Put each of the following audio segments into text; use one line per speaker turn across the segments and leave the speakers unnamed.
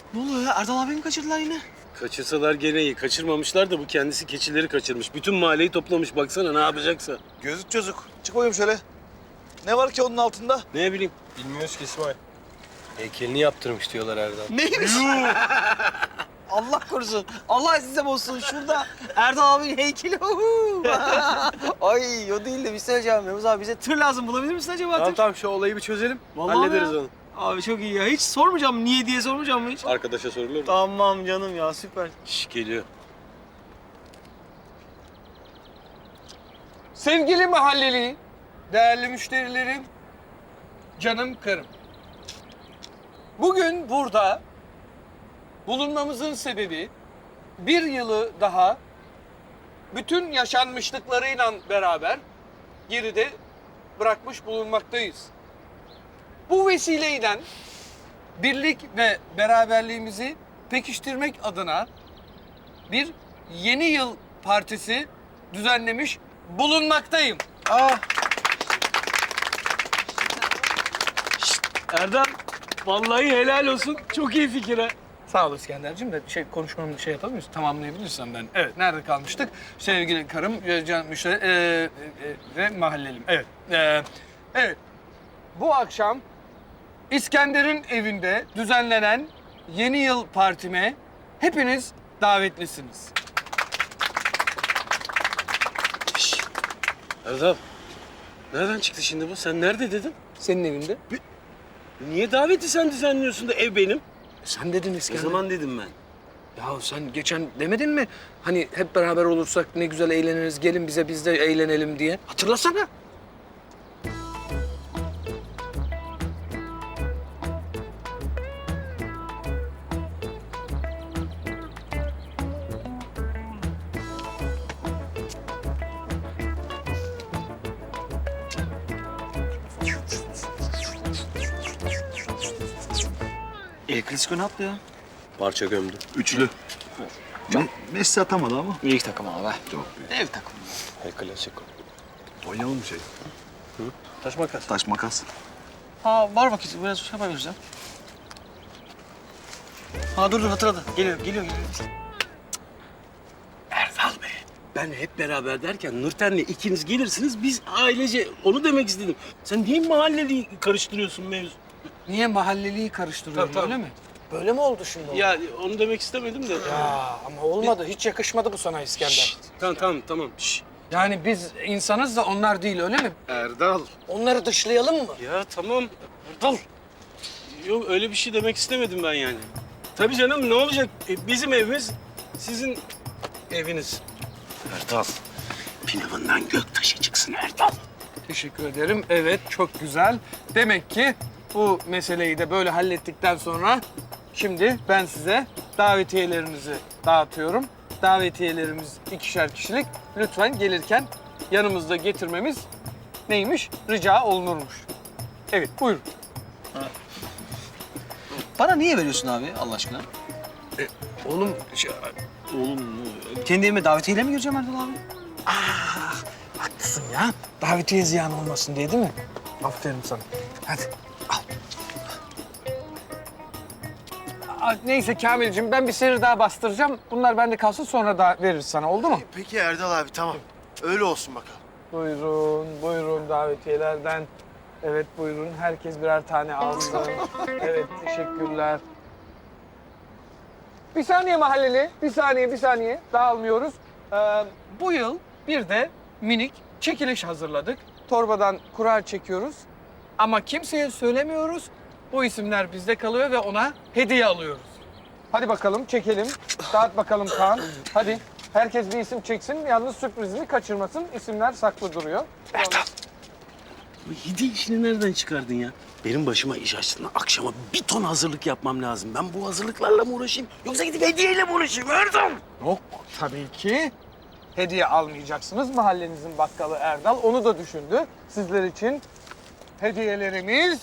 Ne oluyor ya? Erdal abimi kaçırdılar yine.
Kaçırsalar gene iyi. Kaçırmamışlar da bu kendisi keçileri kaçırmış. Bütün mahalleyi toplamış. Baksana ne yapacaksa.
Gözlük çocuk. Çık bakayım şöyle. Ne var ki onun altında?
Ne bileyim.
Bilmiyoruz ki İsmail. Heykelini yaptırmış diyorlar Erdal.
Neymiş? Allah korusun. Allah size olsun. Şurada Erdal abinin heykeli. Ay o değil de bir şey söyleyeceğim. Yavuz abi bize tır lazım. Bulabilir misin acaba tır?
Tamam şu olayı bir çözelim.
Vallahi
Hallederiz
ya.
onu.
Abi çok iyi ya. Hiç sormayacağım. Niye diye sormayacağım mı hiç?
Arkadaşa sorulur mu?
Tamam canım ya. Süper.
Şş, geliyor.
Sevgili mahalleli, değerli müşterilerim, canım karım. Bugün burada bulunmamızın sebebi bir yılı daha bütün yaşanmışlıklarıyla beraber geride bırakmış bulunmaktayız. Bu vesileyle birlik ve beraberliğimizi pekiştirmek adına bir yeni yıl partisi düzenlemiş bulunmaktayım.
Erdem, vallahi helal olsun. Çok iyi fikir ha.
Sağ ol İskenderciğim de konuşmamı yapamıyoruz. Tamamlayabilirsem ben. Evet, nerede kalmıştık? Sevgili karım, can müşteri ve mahallelim. Evet. Evet. Bu akşam İskender'in evinde düzenlenen yeni yıl partime hepiniz davetlisiniz.
Erdem, nereden çıktı şimdi bu? Sen nerede dedin?
Senin evinde.
Niye daveti sen düzenliyorsun da ev benim?
Sen dedin
O
İskender.
zaman dedim ben.
Ya sen geçen demedin mi? Hani hep beraber olursak ne güzel eğleniriz, gelin bize biz de eğlenelim diye. Hatırlasana.
El Clasico ne yaptı ya?
Parça gömdü.
Üçlü. Messi atamadı ama.
İlk takım abi be.
Çok
Ev takımı.
El Clasico.
Oynayalım bir şey.
Taş makas.
Taş makas.
Ha var vakit. Biraz şey yapabiliriz ya. Ha dur hatırladı. Geliyor.
Erdal Bey, ben hep beraber derken Nurten'le ikiniz gelirsiniz, biz ailece onu demek istedim. Sen niye mahalleli karıştırıyorsun mevzu?
Niye mahalleliyi karıştırıyorum
Tabii.
öyle mi? Böyle mi oldu şimdi?
Ya onu demek istemedim de.
Ya ama olmadı. Hiç yakışmadı bu sana İskender.
Şşt, tamam. Şşt.
Yani biz insanız da onlar değil öyle mi?
Erdal.
Onları dışlayalım mı?
Ya tamam. Erdal. Yok öyle bir şey demek istemedim ben yani. Tabii canım ne olacak? Bizim evimiz sizin eviniz. Erdal. Pilavından göktaşı çıksın Erdal.
Teşekkür ederim. Evet, çok güzel. Demek ki bu meseleyi de böyle hallettikten sonra şimdi ben size davetiyelerinizi dağıtıyorum. Davetiyelerimiz 2'şer kişilik. Lütfen gelirken yanımızda getirmemiz neymiş? Rica olunurmuş. Evet, buyurun.
Bana niye veriyorsun abi Allah aşkına?
Oğlum,
Oğlum
Kendi evime davetiyeyle mi gireceğim Erdal abi?
haklısın ya. Davetiye ziyan olmasın diye değil mi? Aferin sana. Hadi al. Neyse Kamilciğim ben bir seri daha bastıracağım. Bunlar bende kalsın sonra da veririz sana oldu mu?
Peki Erdal abi tamam. Öyle olsun bakalım.
Buyurun davetiyelerden. Evet buyurun. Herkes birer tane alsın. Evet teşekkürler. Bir saniye mahalleli. Bir saniye. Dağılmıyoruz. Bu yıl bir de minik çekiliş hazırladık. Torbadan kura çekiyoruz. Ama kimseye söylemiyoruz. Bu isimler bizde kalıyor ve ona hediye alıyoruz. Hadi bakalım çekelim. Dağıt bakalım Kaan. Hadi. Herkes bir isim çeksin. Yalnız sürprizini kaçırmasın. İsimler saklı duruyor.
bu hediye işini nereden çıkardın ya? Benim başıma iş açtın. Akşama bir ton hazırlık yapmam lazım. Ben bu hazırlıklarla mı uğraşayım? Yoksa gidip hediyeyle mi uğraşayım Erdal?
Yok tabii ki. Hediye almayacaksınız. Mahallenizin bakkalı Erdal onu da düşündü. Sizler için hediyelerimiz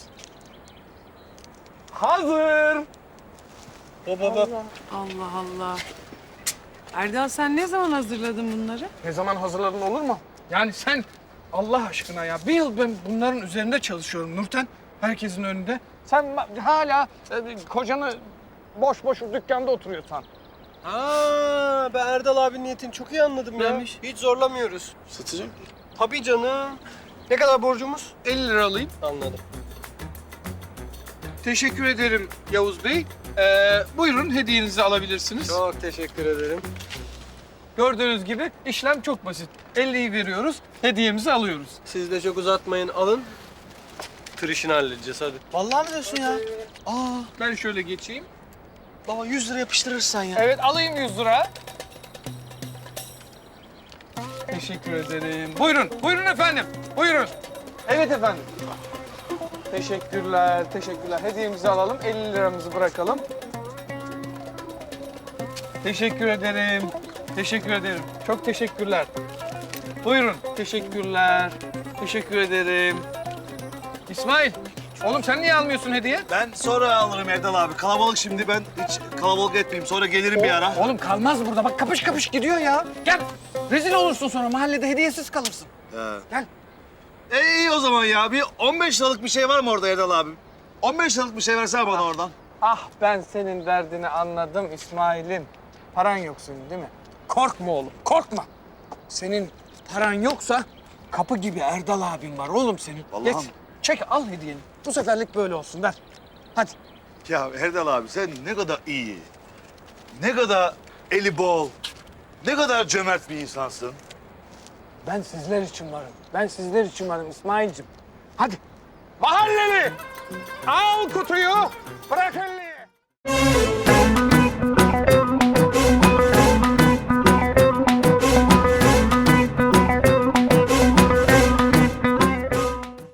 hazır.
Baba.
Allah Allah. Erdal sen ne zaman hazırladın bunları?
Ne zaman hazırladın olur mu? Yani sen Allah aşkına ya bir yıl ben bunların üzerinde çalışıyorum Nurten. Herkesin önünde. Sen hala kocanı boş boş dükkanda oturuyorsan.
Aa, ben Erdal abinin niyetini çok iyi anladım ya.
Neymiş?
Hiç zorlamıyoruz.
Satacak.
Tabii canım. Ne kadar borcumuz?
50 lira alayım.
Anladım.
Teşekkür ederim Yavuz Bey. Buyurun hediyenizi alabilirsiniz.
Çok teşekkür ederim.
Gördüğünüz gibi işlem çok basit. 50'yi veriyoruz, hediyemizi alıyoruz.
Siz de çok uzatmayın, alın. Tır işini halledeceğiz hadi.
Vallahi mi diyorsun ya? Aa
Ben şöyle geçeyim.
baba 100 lira yapıştırırsan ya.
Evet alayım 100 lira. Teşekkür ederim. Buyurun, buyurun efendim. Buyurun. Evet efendim. Teşekkürler, teşekkürler. Hediyemizi alalım, 50 liramızı bırakalım. Teşekkür ederim. Teşekkür ederim. Çok teşekkürler. Buyurun. Teşekkürler. Teşekkür ederim. İsmail, oğlum sen niye almıyorsun hediye?
Ben sonra alırım Erdal abi. Kalabalık şimdi, ben hiç kalabalık etmeyeyim. Sonra gelirim bir ara.
Oğlum kalmaz burada. Bak kapış kapış gidiyor ya. Gel. Rezil olursun sonra. Mahallede hediyesiz kalırsın.
He.
Gel.
İyi o zaman ya. Bir 15 liralık bir şey var mı orada Erdal abi? 15 liralık bir şey versene bana oradan.
Ah ben senin derdini anladım İsmail'im. Paran yok senin değil mi? Korkma oğlum, korkma. Senin paran yoksa kapı gibi Erdal abin var oğlum senin.
Vallahi
Geç,
mi?
çek al hediyeni. Bu seferlik böyle olsun ver. Hadi.
Ya Erdal abi sen ne kadar iyi, ne kadar eli bol, ne kadar cömert bir insansın.
Ben sizler için varım. Ben sizler için varım İsmail'cim. Hadi. Mahalleli! Al kutuyu, bırak elini.